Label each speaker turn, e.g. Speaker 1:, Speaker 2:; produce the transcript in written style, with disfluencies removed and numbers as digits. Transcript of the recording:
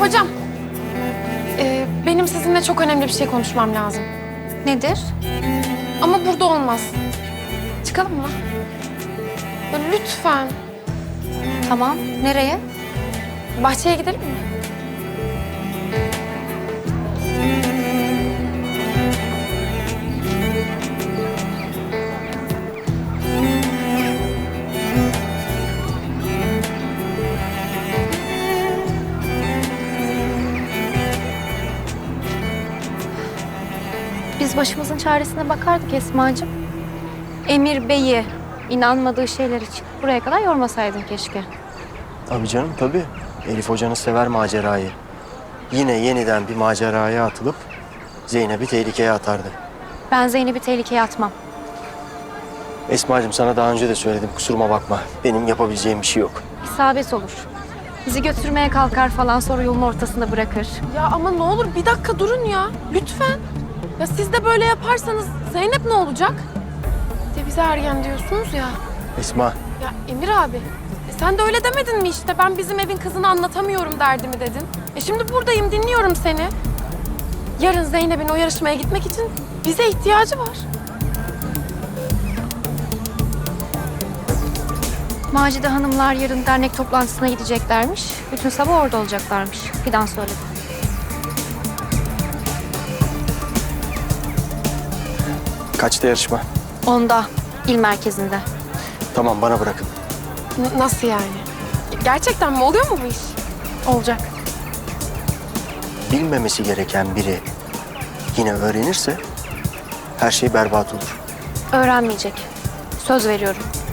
Speaker 1: Hocam, benim sizinle çok önemli bir şey konuşmam lazım.
Speaker 2: Nedir?
Speaker 1: Ama burada olmaz. Çıkalım mı? Ya lütfen.
Speaker 2: Tamam. Nereye?
Speaker 1: Bahçeye gidelim mi?
Speaker 2: Biz başımızın çaresine bakardık Esma'cığım. Emir Bey'i inanmadığı şeyler için buraya kadar yormasaydın keşke.
Speaker 3: Tabii canım tabii. Elif hocanız sever macerayı. Yine yeniden bir maceraya atılıp Zeynep'i tehlikeye atardı.
Speaker 2: Ben Zeynep'i tehlikeye atmam.
Speaker 3: Esma'cığım sana daha önce de söyledim, kusuruma bakma. Benim yapabileceğim bir şey yok.
Speaker 2: İsabet olur. Bizi götürmeye kalkar falan, sonra yolun ortasında bırakır.
Speaker 1: Ya ama ne olur bir dakika durun ya. Lütfen. Ya siz de böyle yaparsanız Zeynep ne olacak? De bize ergen diyorsunuz ya.
Speaker 3: Esma,
Speaker 1: Ya Emir abi, sen de öyle demedin mi işte? Ben bizim evin kızını anlatamıyorum derdimi dedin. Şimdi buradayım, dinliyorum seni. Yarın Zeynep'in o yarışmaya gitmek için bize ihtiyacı var.
Speaker 2: Macide Hanımlar yarın dernek toplantısına gideceklermiş. Bütün sabah orada olacaklarmış. Fidan söyledi.
Speaker 3: kaçta yarışma?
Speaker 2: 10'da il merkezinde.
Speaker 3: Tamam, bana bırakın.
Speaker 1: Nasıl yani? Gerçekten mi? Oluyor mu bu iş?
Speaker 2: Olacak.
Speaker 3: Bilmemesi gereken biri yine öğrenirse her şey berbat olur.
Speaker 2: Öğrenmeyecek. Söz veriyorum.